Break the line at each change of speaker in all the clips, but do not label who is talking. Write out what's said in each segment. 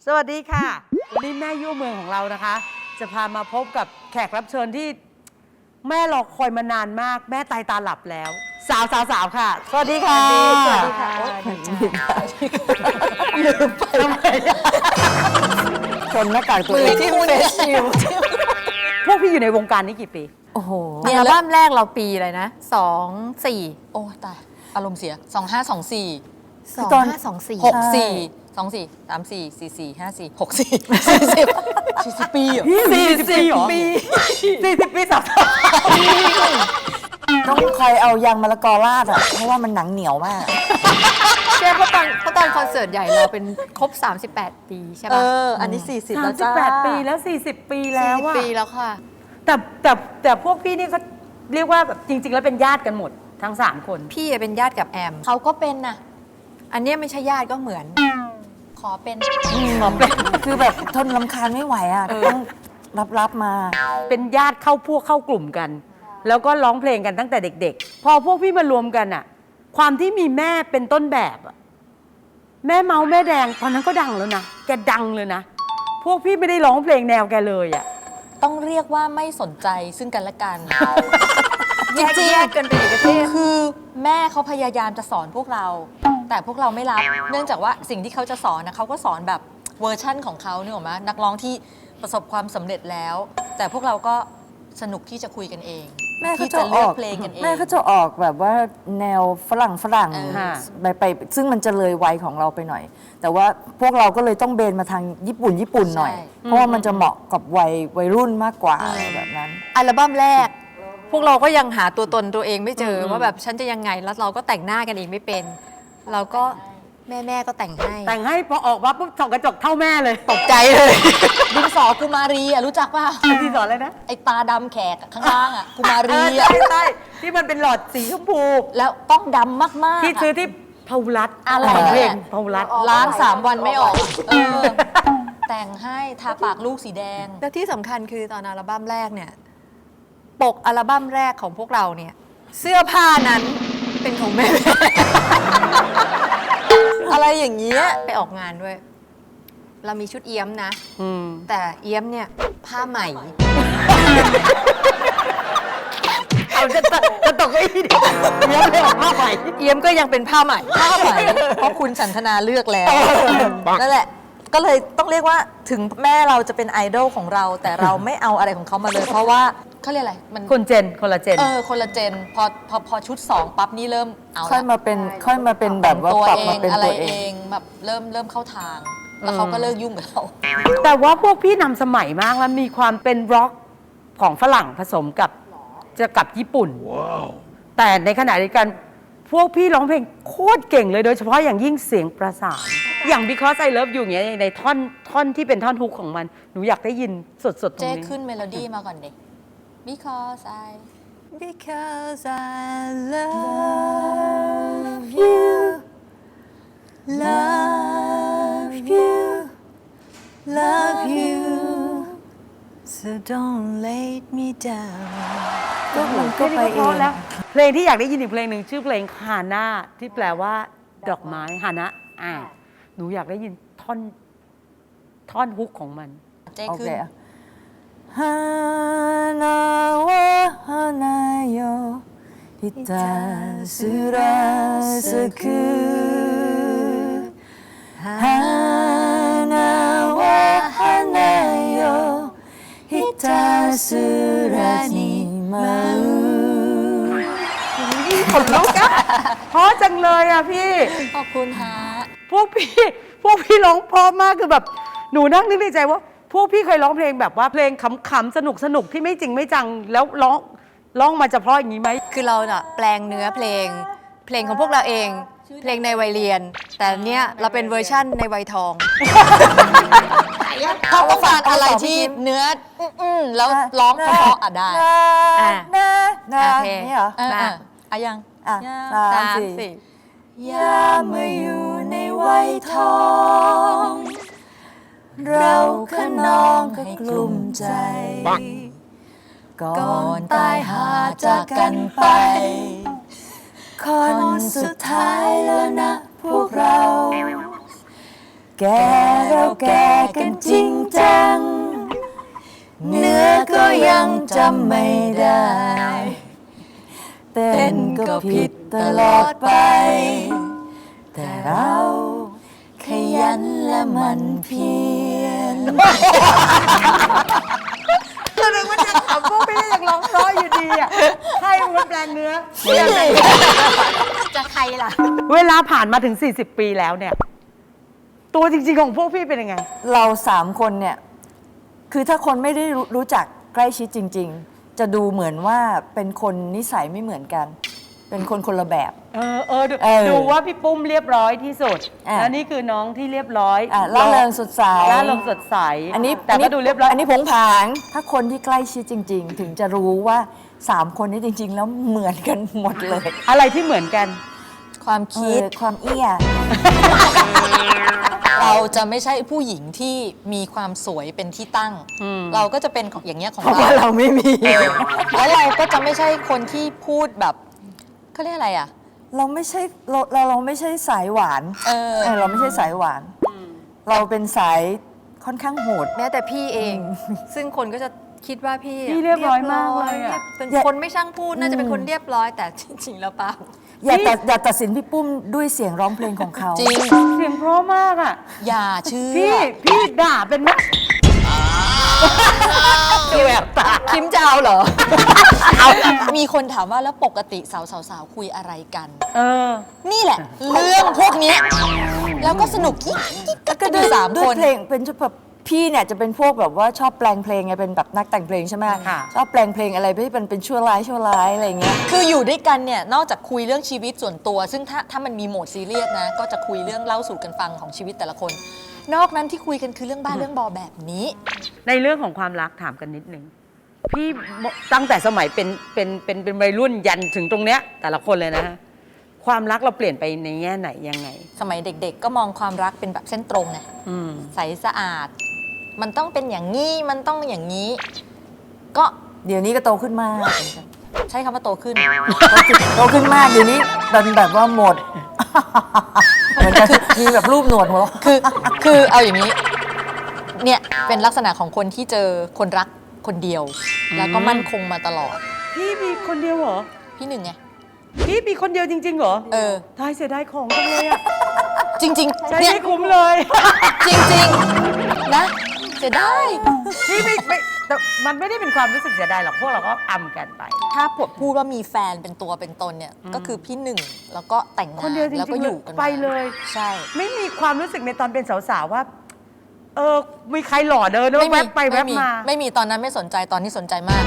สวัสดีค่ะวันนี้แม่ยั่วเมืองของเรานะคะ จะพามาพบกับแขกรับเชิญที่แม่รอคอยมานานมากแม่ตายตาหลับแล้ว สาวค่ะสวัสดีค่ะ
สวัสดีค่ะ
ลืมไปทำไมชนหน้ากากตัวเอง
ที่เฟซชิล
พวกพี่อยู่ในวงการนี้กี่ปี
โอ้โหอัลบั้มแรกเราปีอะไรนะ24
โอ้ตายอารมณ์เสีย2524
2524
64 24 34 44 54 64 40ปีเหรอ
40 ปี40 ปีสาว
ต้องใครเอายางมะละกอราดอ่ะเพราะว่ามันหนังเหนียวมาก
ใช่เพราะตอนคอนเสิร์ตใหญ่เราเป็นครบ38 ปีใช่ป่ะ
อันนี้40แล้วจ้า
38 ปีแล้ว40 ปีแล้วอะ
40 ปีแล้วค่ะ
แต่พวกพี่นี่เขาเรียกว่าแบบจริงๆแล้วเป็นญาติกันหมดทั้ง3คน
พี่เป็นญาติกับแอม
เขาก็เป็นนะ
อันนี้ไม่ใช่ญาติก็เหมือน
ขอเป็น
คือแบบทนรำคาญไม่ไหวอ่ะต้องรับมา
เป็นญาติเข้ากลุ่มกันแล้วก็ร้องเพลงกันตั้งแต่เด็กๆพอพวกพี่มารวมกันอะความที่มีแม่เป็นต้นแบบอะแม่เมาแม่แดงตอนนั้นก็ดังแล้วนะแกดังเลยนะพวกพี่ไม่ได้ร้องเพลงแนวแกเลยอะ
ต้องเรียกว่าไม่สนใจซึ่งกันและกัน
จริงๆกันเป็นอีกประเทศ
คือแม่เขาพยายามจะสอนพวกเราแต่พวกเราไม่รับเนื่องจากว่าสิ่งที่เขาจะสอนนะเขาก็สอนแบบเวอร์ชั่นของเขาเนี่ยหรอมะนักร้องที่ประสบความสำเร็จแล้วแต่พวกเราก็สนุกที่จะคุยกันเอง
แม่ก็จะออกเพลงกันเองแม่ก็จะออกแบบว่าแนวฝรั่งไปซึ่งมันจะเลยวัยของเราไปหน่อยแต่ว่าพวกเราก็เลยต้องเบนมาทางญี่ปุ่นหน่อยเพราะว่ามันจะเหมาะกับวัยรุ่นมากกว่าแบบนั้น
อัลบั้มแรกพวกเราก็ยังหาตัวตนตัวเองไม่เจอว่าแบบฉันจะยังไงแล้วเราก็แต่งหน้ากันเองไม่เป็นเราก็แม่ก็แต่งให้
พอออกมาปุ๊บส่องกระจกเท่าแม่เลย
ตกใจเลย
ดินสอกุมารีอ่ะรู้จักป่ะ
ดินสออะไรนะ
ไอตาดำแขกข้างล่างอ่ะกุมารี
อ่ะใช่ที่มันเป็นหลอดสีชมพู
แล้วต้องดำมากๆ
ที่ซื้อที่พารัต
อะไร
เพลงพารัต
ล้าง3 วันไม่ออกแต่งให้ทาปากลูกสีแดง
แล้วที่สำคัญคือตอนอัลบั้มแรกเนี่ยปกอัลบั้มแรกของพวกเราเนี่ยเสื้อผ้านั้นเป็นของแม่
อะไรอย่างเงี้ย
ไปออกงานด้วย เรามีชุดเอี้ยมนะแต่เอี้ยมเนี่ยผ้าใหม่
เอาจะตกไอ้เอี้ยมเลยผ้าใหม่
เอี้ยมก็ยังเป็นผ้าใหม่
เพราะคุณฉันทนาเลือกแล้วนั่นแหละก็เลยต้องเรียกว่าถึงแม่เราจะเป็นไอดอลของเราแต่เราไม่เอาอะไรของเขามาเลยเพราะว่าเขาเรียกอะไรมัน
คนละเจน
คนละเจนพอชุด2ปั๊บนี่เริ่มเอา
ค่อยมาเป็นแบบว่าปรับมาเป็นตัวเอง
แบบเริ่มเข้าทางแล้วเขาก็เลิกยุ่งกับเรา
แต่ว่าพวกพี่นำสมัยมากแล้วมีความเป็นร็อกของฝรั่งผสมกับญี่ปุ่นแต่ในขณะเดียวกันพวกพี่ร้องเพลงโคตรเก่งเลยโดยเฉพาะอย่างยิ่งเสียงประสานอย่าง Because I Love You อย่างเงี้ยในท่อนที่เป็นท่อนฮุกของมันหนูอยากได้ยินสดๆตรงนี้
เจ๊ขึ้นเมโลดี้มาก่อนเด็ก Because I
love you love you so don't let me down
ก็มันก็ไปเองแล้วเพลงที่อยากได้ยินอีกเพลงหนึ่งชื่อเพลงฮาน่าที่แปลว่าดอกไม้ฮานะหนูอยากได้ยินท่อนฮุกของมัน
เจ๊ขึ้น
ฮานาวะฮานาโยฮิตาสุราสกุฮานา สุรานิมา
ขนลุกอะเพราะจังเลยอะพี่
ขอบคุณฮะ
พวกพี่ร้องเพราะมากคือแบบหนูนั่งนึกในใจว่าพวกพี่เคยร้องเพลงแบบว่าเพลงขำๆสนุกที่ไม่จริงไม่จังแล้วร้องมาจะเพราะอย่างนี้ไหม
คือเราน่ะแปลงเนื้อเพลงของพวกเราเองเพลงในวัยเรียนแต่เนี้ยเราเป็นเวอร์ชั่นในวัยทอง
เขาต้องการอะไรที่เนื้อแล้วร้องเพราะได้
โอเคนี่เหรอ
ยัง
3-4อย่ามาอยู่ในวัยทองเราขนองก็กลุ้มใจก่อนตายหาจากกันไปคนสุดท้ายแล้วนะพวกเราแก่เราแก่กันจริงจัง เนื้อก็ยังจำไม่ได้ เต้นก็ผิดตลอดไป แต่เราขยันและมันเพียร
ก็นึกว่าจะถามพวกพี่ยังร้องเพราะอยู่ดีอ่ะใครมันแปลงเนื้อ
จะใครล่ะ
เวลาผ่านมาถึง 40 ปีแล้วเนี่ย ตัวจริงๆของพวกพี่เป็นยังไง
เรา3 คนเนี่ย คือถ้าคนไม่ได้รู้จักใกล้ชิดจริง ๆ จะดูเหมือนว่าเป็นคนนิสัยไม่เหมือนกัน เป็นคนละแบบ
ดูว่าพี่ปุ้มเรียบร้อยที่สุด
อ่ะ
แล้วนี่คือน้องที่เรียบร้อย
ล่าเริงสดใส
ล่าเริงสดใส
อันนี้
แต่ก็ดูเรียบร้อย
อันนี้ผงผาง ถ้าคนที่ใกล้ชิดจริง ๆ ถึงจะรู้ว่า3 คนนี้จริง ๆ แล้วเหมือนกันหมดเลย
อะไรที่เหมือนกัน
ความคิด
ความเอี้ย
เราจะไม่ใช่ผู้หญิงที่มีความสวยเป็นที่ตั้ง เราก็จะเป็นอย่างเงี้ยของ
เพราะว่าเราไม่มี
แล้วเราก็จะไม่ใช่คนที่พูดแบบเขาเรียกอะไรอ่ะ
เราไม่ใช่เราไม่ใช่สายหวาน เราไม่ใช่สายหวาน เราเป็นสายค่อนข้างโหด
แม้แต่พี่เอง ซึ่งคนก็จะคิดว่าพี่
พี่เรียบร้อยมากเลยอะ
เป็นคนไม่ช่างพูดน่าจะเป็นคนเรียบร้อย แต่จริงๆแล้วเปล่า
อย่าตัดสินพี่ปุ้มด้วยเสียงร้องเพลงของเขา
จริง
เสียงเพราะมากอ่ะ
อย่าเชื่อ
พี่ด่าเป็นไหมดูแบบตา
คิมจะเอาเหรอ มีคนถามว่าแล้วปกติสาวๆคุยอะไรกัน นี่แหละ เรื่องพวกเนี้ยแล้วก็สนุกกิ๊กกิ๊กกันอยู่สาม
ด้
ค
วย
น
เพลงเป็นแบบพี่เนี่ยจะเป็นพวกแบบว่าชอบแปลงเพลงไงเป็นแบบนักแต่งเพลงใช่ไหม
ค่ะ
ชอบแปลงเพลงอะไรที่เป็นชั่วร้ายอะไรอย่างเงี้ย
คืออยู่ด้วยกันเนี่ยนอกจากคุยเรื่องชีวิตส่วนตัว ซึ่งถ้ามันมีโหมดซีเรียสนะก็จะคุยเรื่องเล่าสู่กันฟังของชีวิตแต่ละคน นอกนั้นที่คุยกันคือเรื่องบ้านเรื่องบอแบบนี้
ในเรื่องของความรักถามกันนิดนึงพี่ตั้งแต่สมัยเป็นวัยรุ่นยันถึงตรงเนี้ยแต่ละคนเลยนะฮะความรักเราเปลี่ยนไปในแง่ไหนยังไง
สมัยเด็กๆ ก็มองความรักเป็นแบบเส้นตรงไง
อืม
ใสสะอาด มันต้องเป็นอย่างนี้มันต้องอย่างนี้ ก็
เดี๋ยวนี้ก็โตขึ้นมาก
ใช้คำว่าโตขึ้น
โตขึ้นมากเดี๋ยวนี้เป็นแบบว่าหมด เหมือนจะมีแบบรูปหนวดหัวเราะ
คือเอาอย่างนี้ เนี่ยเป็นลักษณะของคนที่เจอคนรักคนเดียว แล้วก็มั่นคงมาตลอด
พี่มีคนเดียวเหรอ
พี่หนึ่งไง
พี่มีคนเดียวจริงๆเหรอ
เ
ทายเสียดายของจังเลยอะ
จริง
ใช้
ๆเนี่ย
ไม่คุ้มเลย
จริงๆนะเสียดาย
พี่ไม่แต่มันไม่ได้เป็นความรู้สึกเสียดายหรอกพวกเราก็อำกันไป
ถ้าพูดว่ามีแฟนเป็นตัวเป็นตนเนี่ยก็คือพี่หนึ่งแล้วก็แต่งงา
คน
น
เดียวจริงๆ
แล้วก็อยู่กันมา
ไปเลย
ใช่
ไม่มีความรู้สึกในตอนเป็นสาวๆว่า มีใครหล่อเดินแล้วแวบไปแวบมา
ไม่มีตอนนั้นไม่สนใจตอนนี้สนใจมาก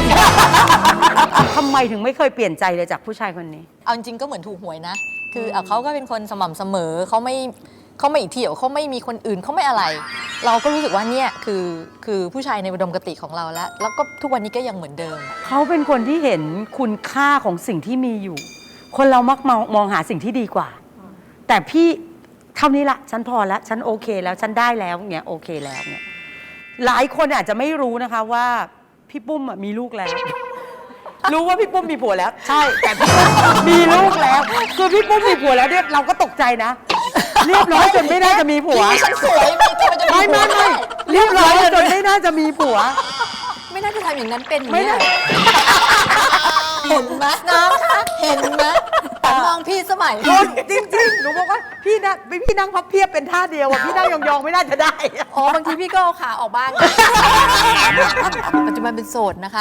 ทำไมถึงไม่เคยเปลี่ยนใจเลยจากผู้ชายคนนี้
เอาจริงๆก็เหมือนถูกหวยนะ คือเขาก็เป็นคนสม่ำเสมอเขาไม่เที่ยวเขาไม่มีคนอื่นเขาไม่อะไร เราก็รู้สึกว่าเนี่ยคือผู้ชายในอุดมคติของเราแล้วก็ทุกวันนี้ก็ยังเหมือนเดิม
เขาเป็นคนที่เห็นคุณค่าของสิ่งที่มีอยู่ คนเรามักมองหาสิ่งที่ดีกว่า แต่พี่เท่านี้ละฉันพอแล้วฉันโอเคแล้วฉันได้แล้วเนี่ยโอเคแล้วเนี่ยหลายคนอาจจะไม่รู้นะคะว่าพี่ปุ้มอะมีลูกแล้ว รู้ว่าพี่ปุ้มมีผัวแล้ว ใช่แต่พี่ปุ้มมีลูกแล้วคือพี่ปุ้มมีผัวแล้วเนี่ยเราก็ตกใจนะ เรียบร้อยจนไม่น่าจะมีผัว
พี่ฉันสวยมีทำไมจะมี
ไม่
ผัว
เรียบร้อยจนไม่น่าจะมีผัว
ไม่น่าจะทำอย่างนั้นเป็น
ไม่
เนี่ย
ได้
เห็นไหมน้องคะเห็นไหมแต่มองพี่สมัย
จริงๆหนูบอกว่าพี่นั่งพับเพียบเป็นท่าเดียวอะพี่นั่งยองๆไม่น่าจะได้
อ๋อบางทีพี่ก็เอาขาออกบ้างปัจจุบันเป็นโสดนะคะ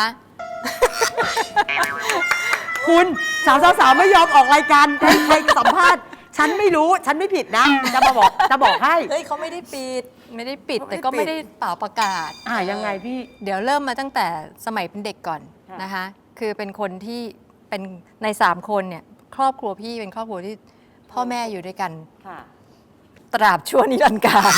คุณสาวๆไม่ยอมออกรายการใครสัมภาษณ์ ฉันไม่รู้ฉันไม่ผิดนะ จะบอกให้
เฮ้ยเขาไม่ได้ปิด
ไม่ได้ปิดแต่ก็ไม่ได้เป่าประกาศ
ยังไงพี่
เดี๋ยวเริ่มมาตั้งแต่สมัยเป็นเด็กก่อน
ค่ะ
นะคะ คือเป็นคนที่เป็นใน3คนเนี่ยครอบครัวพี่เป็นครอบครัวที่พ่อแม่อยู่ด้วยกัน
ค่ะ
ตราบชั่วนิรันดร์การ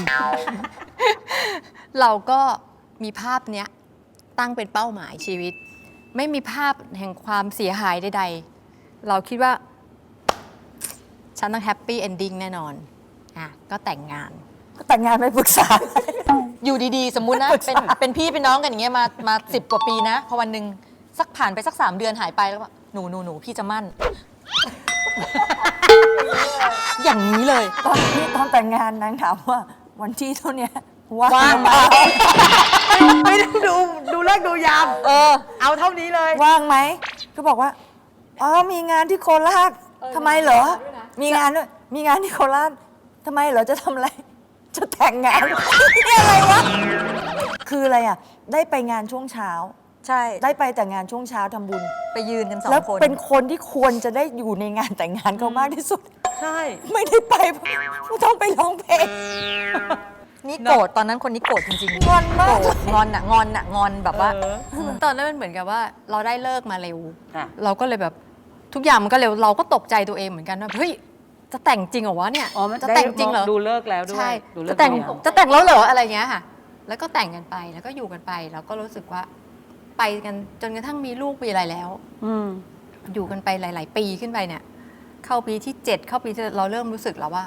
เราก็มีภาพเนี้ยตั้งเป็นเป้าหมายชีวิต ไม่มีภาพแห่งความเสียหายใดๆ เราคิดว่า ฉันต้องแฮปปี้เอนดิ้งแน่นอนก็แต่งงาน
แต่งงานไม่ปรึกษา
อยู่ดีๆ สมมุตินะ เป็นพี่เป็นน้องกันอย่างเงี้ยมา10 กว่าปีนะ พอวันหนึ่งสักผ่านไปสัก 3 เดือนหายไปแล้วว่าหนูพี่จะมั่น อย่างนี้เลย
ตอนแต่งงานนางถามว่าวันที่เท่าเนี้ยว่าง
ว่าง
ไหม
ไม่ต้องดูเลิกษ์ดูยาม เอาเท่านี้เลย
ว่างไหมก็บอกว่าอ๋อมีงานที่โคราชทำไมเหรอ มีงานด้วยมีงานที่โคราชทำไมเหรอจะทำอะไร จะแต่งงาน นี่อะไรวะคืออะไรอ่ะ ได้ไปงานช่วงเช้า
ใช่
ได้ไปแต่งานช่วงเช้าทำบุญ
ไปยืนกันสอ
แล้ว
งคน
เป็นคนที่ควรจะได้อยู่ในงานแต่งงานเขามากที่สุด
ใช่
ไม่ได้ไปเพราะต้องไปร้องเพลง
นี่โกรธตอนนั้นคนนี้โกรธจริงๆ
งอนมาก
โกรธงอนอะงอนอะงอนแบบว่า
ตอนนั้นมันเหมือนกับว่าเราได้เลิกมาเร็ว
ค่ะ
เราก็เลยแบบทุกอย่างมันก็เร็วเราก็ตกใจตัวเองเหมือนกันว่าเฮ้ยจะแต่งจริงเหรอวะเนี่ย
อ๋อมัน
จะแต่งจริงเหรอ
ดูเลิกษ์แล้วด้วย
ใช่
ดูเลิ
จะ
กษ์
แต่ง
ดูยาม
จะแต่งแล้วเหรออะไรเงี้ยค่ะ แล้วก็แต่งกันไปแล้วก็อยู่กันไปแล้วก็รู้สึกว่าไปกันจนกระทั่งมีลูกมีอะไรแล้ว
อืม
อยู่กันไปหลาย ๆ ปีขึ้นไปเนี่ย เข้าปีที่ 7 เข้าปีที่เราเริ่มรู้สึกแล้วว่า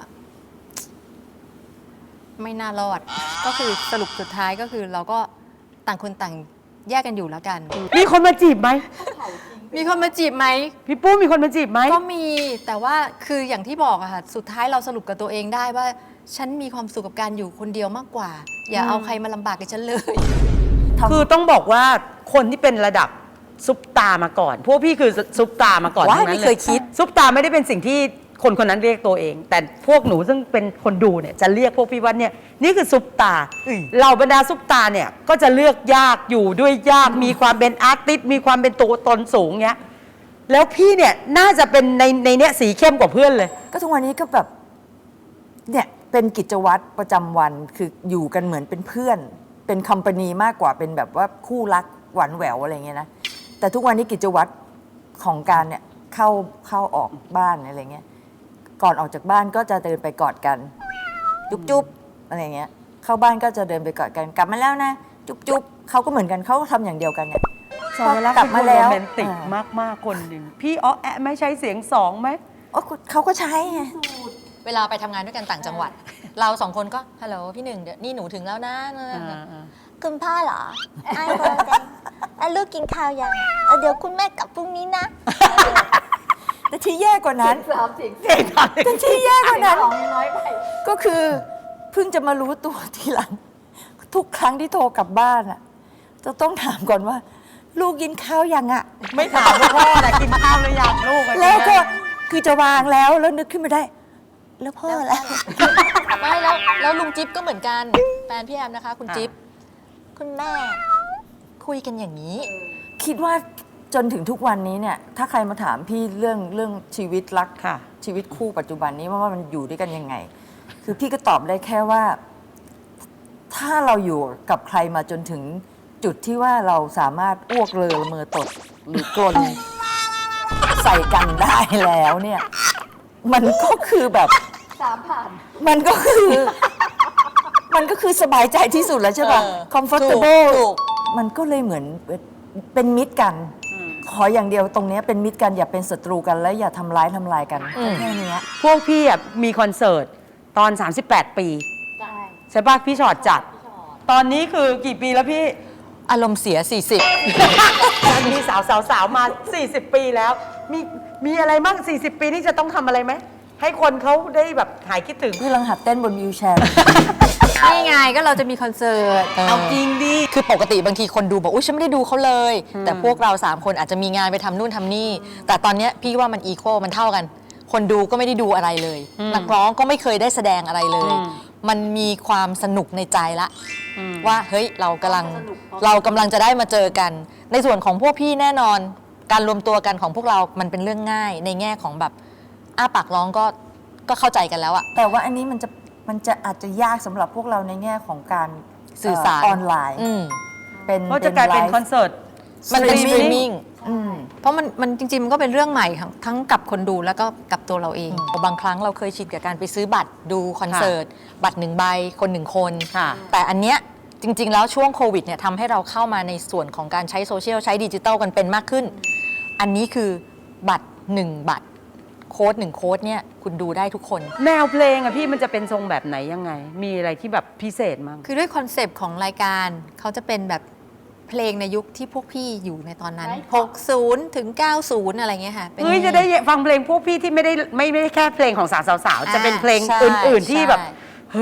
ไม่น่ารอด ก็คือสรุปสุดท้ายก็คือเราก็ต่างคนต่างแยกกันอยู่แล้วกัน
มีคนมาจีบไหม
มีคนมาจีบไหม
พี่ปุ้มมีคนมาจีบไหม
ก็มีแต่ว่าคืออย่างที่บอกอะค่ะสุดท้ายเราสรุปกับตัวเองได้ว่า ฉันมีความสุขกับการอยู่คนเดียวมากกว่า อย่าเอาใครมาลำบากกับฉันเลย
คือต้องบอกว่าคนที่เป็นระดับซุปตามาก่อน พวกพี่คือซุปตามาก่อน
ว้าย
ทั้งนั้น
ไม่เคยคิด
ซุปตาไม่ได้เป็นสิ่งที่คนคนนั้นเรียกตัวเอง แต่พวกหนูซึ่งเป็นคนดูเนี่ยจะเรียกพวกพี่ว่าเนี่ยนี่คือซุปตาเหล่าบรรดาซุปตาเนี่ยก็จะเลือกยากอยู่ด้วยยากมีความเป็นอาร์ติสต์มีความเป็นตัวตนสูงเงี้ยแล้วพี่เนี่ยน่าจะเป็นในเนี้ยสีเข้มกว่าเพื่อนเลย
ก็ทุกวันนี้ก็แบบเนี่ยเป็นกิจวัตรประจำวันคืออยู่กันเหมือนเป็นเพื่อน เป็นคัมปานีมากกว่าเป็นแบบว่าคู่รักหวานแหววอะไรเงี้ยนะแต่ทุกวันนี้กิจวัตรของการเนี่ยเข้าออกบ้านอะไรเงี้ยก่อนออกจากบ้านก็จะเดินไปกอดกัน จุ๊บอะไรเงี้ยเข้าบ้านก็จะเดินไปกอดกันกลับมาแล้วนะ จุ๊บเขาก็เหมือนกันเขาก็ทำอย่างเดียวกันเนี่ย
สอนรัก
กลับ
เป็นค
มาน แล้
โร
ว
แมนติกมากๆคนหนึ่งพี่อ้อแอะไม่ใช้เสียงสองไหม
โอ้เขาก็ใช้ไง
เวลาไปทำงานด้วยกันต่างจังหวัด เราสองคนก็ฮัลโหลพี่หนึ่งเดี๋ยวนี่หนูถึงแล้วนะ
คุณพ่อเหรอไอ้คนจังแล้วลูกกินข้าวยังเดี๋ยวคุณแม่กลับพรุ่งนี้นะ
แต่ที่แย่กว่านั้นแต่ที่แย่กว่านั้นก็คือเพิ่งจะมารู้ตัวทีหลัง ทุกครั้งที่โทรกลับบ้านอ่ะจะต้องถามก่อนว่า ลูกกินข้าวยังอ่ะ
ไม่ถามว่าพ่อแต่กินข้าวหรือยังลูกอะ
แล้วก็คือจะวางแล้วนึกขึ้นมาได้ แล้วพ่อแล้ว
ไม่แล้วลุงจิ๊บก็เหมือนกันแฟนพี่แอมนะคะ คุณจิ๊บ
คุณแม่
คุยกันอย่างนี้
คิดว่าจนถึงทุกวันนี้เนี่ย ถ้าใครมาถามพี่เรื่องชีวิตรัก
ค่ะ
ชีวิตคู่ปัจจุบันนี้ว่ามันอยู่ด้วยกันยังไง คือพี่ก็ตอบได้แค่ว่า ถ้าเราอยู่กับใครมาจนถึงจุดที่ว่าเราสามารถอ้วกเลอละเมอตดหรือกลนใส่กันได้แล้วเนี่ย มันก็คือแบบมันก็คือสบายใจที่สุดแล้วใช่ป่ะ
เออ
comfortable
ถูก
มันก็เลยเหมือนเป็นมิตรกัน ขออย่างเดียวตรงเนี้ยเป็นมิตรกันอย่าเป็นศัตรูกันและอย่าทำลายกันแค่เนี้ย
พวกพี่อะมีคอนเสิร์ตตอน 38 ปีใช่ป่ะพี่ชอดจัด ตอนนี้คือกี่ปีแล้วพี่
อารมณ์เสีย
มีสาวมา 40 ปีแล้ว มีอะไรบ้าง40 ปีนี่จะต้องทำอะไรไหม ให้คนเขาได้แบบหายคิดถึง
พี่กำลังหัดเต้นบนวิวแชร์
นี่ไงก็เราจะมีคอนเสิร์ต
เอาจริงดิ
คือปกติบางทีคนดูบอกอุ้ยฉันไม่ได้ดูเขาเลย แต่พวกเรา 3 คนอาจจะมีงานไปทำนู่นทำนี่ แต่ตอนเนี้ยพี่ว่ามันอีโคมันเท่ากัน คนดูก็ไม่ได้ดูอะไรเลย นักร้องก็ไม่เคยได้แสดงอะไรเลย มันมีความสนุกในใจละ ว่าเฮ้ยเรากำลังจะได้มาเจอกัน ในส่วนของพวกพี่แน่นอน การรวมตัวกันของพวกเรามันเป็นเรื่องง่าย ในแง่ของแบบอ้าปากร้องก็เข้าใจกันแล้วอะ
แต่ว่าอันนี้มันจะอาจจะยากสำหรับพวกเราในแง่ของการ
สื่อสาร
ออนไลน์
อืม
เป็น
เพราะจะกลายเป็นคอนเสิร์ต
มันเป็นสตรีมมิ่ง
อืม
เพราะมันจริง ๆ มันก็เป็นเรื่องใหม่ทั้งกับคนดูแล้วก็กับตัวเราเอง
บางครั้งเราเคยชินกับการไปซื้อบัตรดูคอนเสิร์ต บัตร1 ใบคน 1 คน
ค่ะ
แต่อันเนี้ยจริง ๆ แล้วช่วงโควิดเนี่ยทำให้เราเข้ามาในส่วนของการใช้โซเชียลใช้ดิจิตอลกันเป็นมากขึ้น อันนี้คือบัตร 1 บัตรโค้ด1 โค้ดเนี่ยคุณดูได้ทุกคน
แนวเพลงอะพี่มันจะเป็นทรงแบบไหนยังไง มีอะไรที่แบบพิเศษมั้ง
คือด้วยคอนเซปต์ของรายการเขาจะเป็นแบบเพลงในยุคที่พวกพี่อยู่ในตอนนั้น 60 ถึง 90 อะไรเงี้ยค่ะเป็น
เฮ้ยจะได้ฟังเพลงพวกพี่ที่ไม่ได้แค่เพลงของสาวๆจะเป็นเพลง
ใช่
อื่น ๆ ที่แบบ
ใช่
เฮ้ย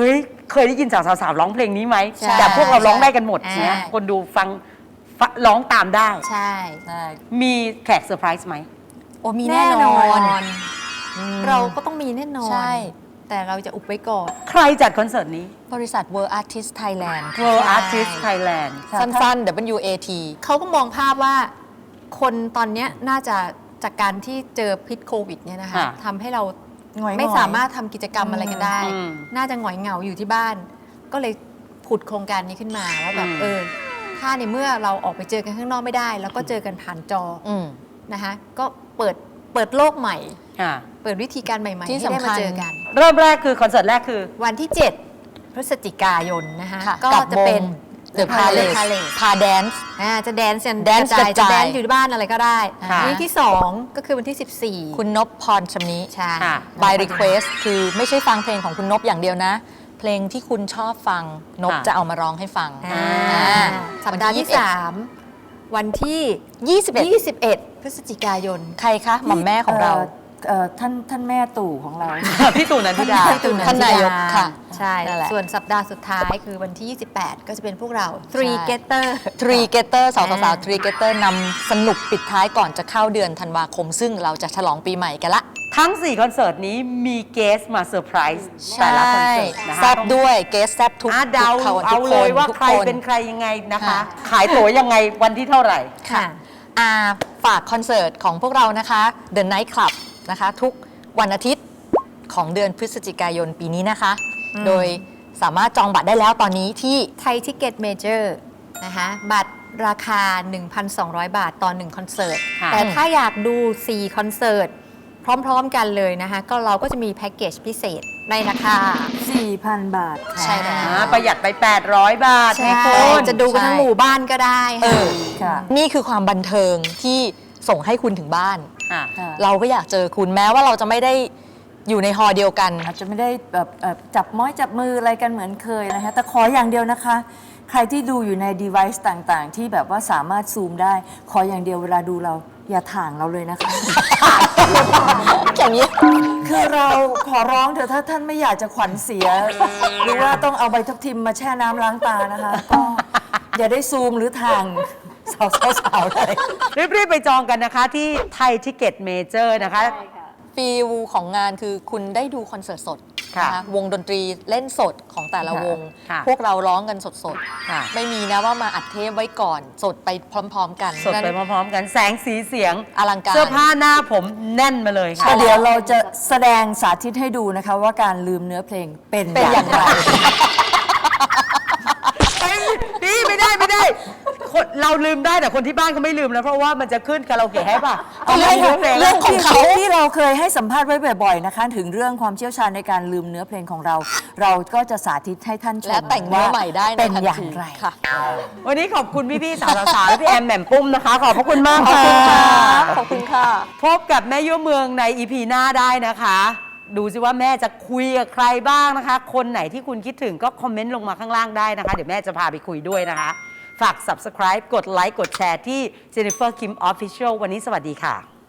เคยได้ยินสาวๆร้องเพลงนี้ไหม
ใช่
แต่พวกเราร้องได้กันหมด
ใช่
เนี่ยคนดูฟังร้องตามได้
ใช่
ใช่
มีแขกเซอร์ไพรส์ไหม
โอ้มีแน่นอน
เราก็ต้องมีแน่นอน
ใช่
แต่เราจะอุบไว้ก่อน
ใครจัดคอนเสิร์ตนี้
บริษัท World Artist Thailand
World Artist Thailand
สั้นๆ WAT
เขาก็มองภาพว่าคนตอนเนี้ยน่าจะจากการที่เจอพิษโควิดเนี่ยนะคะ
ค่ะ
ทำให้เรา
หงอยๆ
ไม่สามารถทำกิจกรรมอะไรกันได้
อืม
น่าจะหงอยเหงาอยู่ที่บ้าน ก็เลยผุดโครงการนี้ขึ้นมาว่าแบบ
อืม
ถ้าในเมื่อเราออกไปเจอกันข้างนอกไม่ได้ แล้วก็เจอกันผ่านจอ
อืม
นะคะก็เปิดโลกใหม่
อ่า
เปิดวิธีการใหม่ๆ
ที่
ให้ได้
สำคั
มา
ญ
เจอกัน
เริ่มแรกคือคอนเสิร์ตแรกคือ
วันที่ 7 พฤศจิกายนนะคะ
ค่ะ
ก็
กับ
จะเป็น
วง The Palace พาแดนซ์
จะแดนซ์กัน
แดนซ์
กระจาย
กระจาย
จะแดนซ์อยู่ที่บ้านอะไรก็ได้
ค่ะ
วันที่ 2 ก็คือวันที่ 14
คุณนพพรชำนิ
ใช่
ค่ะ
by request คือไม่ใช่ฟังเพลงของคุณนพอย่างเดียวนะ เพลงที่คุณชอบฟังนพ
ค่ะ
จะเอามาร้องให้ฟัง
อ่า
อ่า
สัปดาห์ที่
วันที่
3 วันที่
21
21 พฤศจิกายน
ใครคะหม่อมแม่ของเรา
ท่านแม่ตู่ของเรา
พี่ตู่นันทิดา
พี่ตู่
ท่านนายกค่ะ
ใช่
นั่นแหละ
ส่วนสัปดาห์สุดท้ายคือวันที่ 28 ก็จะเป็นพวกเรา Three
ใช่
Getter
ทรีเกเตอร์สาว
อ่า
สาวทรีเกเตอร์นำสนุกปิดท้ายก่อนจะเข้าเดือนธันวาคม ซึ่งเราจะฉลองปีใหม่กันละ
ทั้ง 4 คอนเสิร์ตนี้มีเกสมาเซอร์ไพรส์แต่ละคอนเสิร์ตนะคะ
แซบด้วยเกสแซบทุก
เดา
ทุก
เอา
ทุก
เลยว่า
ทุก
ใคร
น
เป็นใครยังไงนะคะ
ค่ะ
ขายตั๋วยังไงวันที่เท่าไหร่
ค่ะ
อ่าฝากคอนเสิร์ตของพวกเรานะคะ The Night Club นะคะ ทุกวันอาทิตย์ของเดือนพฤศจิกายนปีนี้นะคะ โดยสามารถจองบัตรได้แล้วตอนนี้ที่
ไทยทิเก็ตเมเจอร์นะคะบัตรราคา 1,200 บาทต่อ 1 คอนเสิร์ต
ค่ะ
แต่ถ้าอยากดู 4 คอนเสิร์ต พร้อม ๆ กันเลยนะคะ ก็เราก็จะมีแพ็กเกจพิเศษในราคา
4,000 บาทค่ะ
ใช่แล้ว
ประหยัดไป 800 บาท
ใช่
ให้คุณ
จะดูกันทั้งหมู่บ้านก็ได้
เอ
ค่ะ
อ
ค่ะ
นี่คือความบันเทิงที่ส่งให้คุณถึงบ้าน
ค่ะ
ค่ะ
เราก็อยากเจอคุณแม้ว่าเราจะไม่ได้อยู่ในฮอลล์เดียวกัน
อาจจะไม่ได้แบบจับม้อยจับมืออะไรกันเหมือนเคยนะคะแต่ขออย่างเดียวนะคะ ใครที่ดูอยู่ใน device ต่างๆ ที่แบบว่าสามารถซูมได้ ขออย่างเดียวเวลาดูเราอย่าถ่างเราเลยนะคะ
อย่างนี้
คือเราขอร้องเถอะถ้าท่านไม่อยากจะขวัญเสีย หรือว่าต้องเอาใบทับทิมมาแช่น้ำล้างตานะคะ ก็อย่าได้ซูมหรือถ่างสาวๆเลย
รีบๆไปจองกันนะคะที่ไทยทิเก็ตเมเจอร์นะคะ
ฟีลของงานคือคุณได้ดูคอนเสิร์ตสด
ค่ะ
นะคะวงดนตรีเล่นสดของแต่ละวง
ค่ะ
พวกเราร้องกันสด
ค่ะ
ๆ ไม่มีนะว่ามาอัดเทปไว้ก่อนสดไปพร้อมๆกัน
สดไป
นั้น
พร้อมๆกันแสงสีเสียง
อลังการ
เสื้อผ้าหน้าผมแน่นมาเลยค่ะ
ก็เดี๋ยวเราจะแสดงสาธิตให้ดูนะคะว่าการลืมเนื้อเพลงเป็น
เป็นอย่างไร
พี่ไม่ได้คนเราลืมได้แต่คนที่บ้านเขาไม่ลืมแล้วเพราะว่ามันจะขึ้นคาราโอเกะให้ป่ะ
เอาเรื่อง
ลืมเพลง
เรื่องของเขา
ที่เราเคยให้สัมภาษณ์ไว้บ่อยๆนะคะ ถึงเรื่องความเชี่ยวชาญในการลืมเนื้อเพลงของเรา เราก็จะสาธิตให้ท่านชม
และแต่งเนื้อใหม่ได้ใน
เป็น
ทัน
อย่าง
ที
ไร
ค่ะ
วันนี้ขอบคุณพี่ๆสาวๆและพี่แอมแหม่มปุ้มนะคะ ขอบพระคุณมาก
ขอบ
ค่ะ
คุณค่ะขอบคุณค่ะ
พบกับแม่ยั่วเมืองในอีพีหน้าได้นะคะ ดูสิว่าแม่จะคุยกับใครบ้างนะคะ คนไหนที่คุณคิดถึงก็คอมเมนต์ลงมาข้างล่างได้นะคะ เดี๋ยวแม่จะพาไปคุยด้วยนะคะ ฝาก subscribe กดไลค์กดแชร์ที่ Jennifer Kim Official วันนี้สวัสดีค่ะ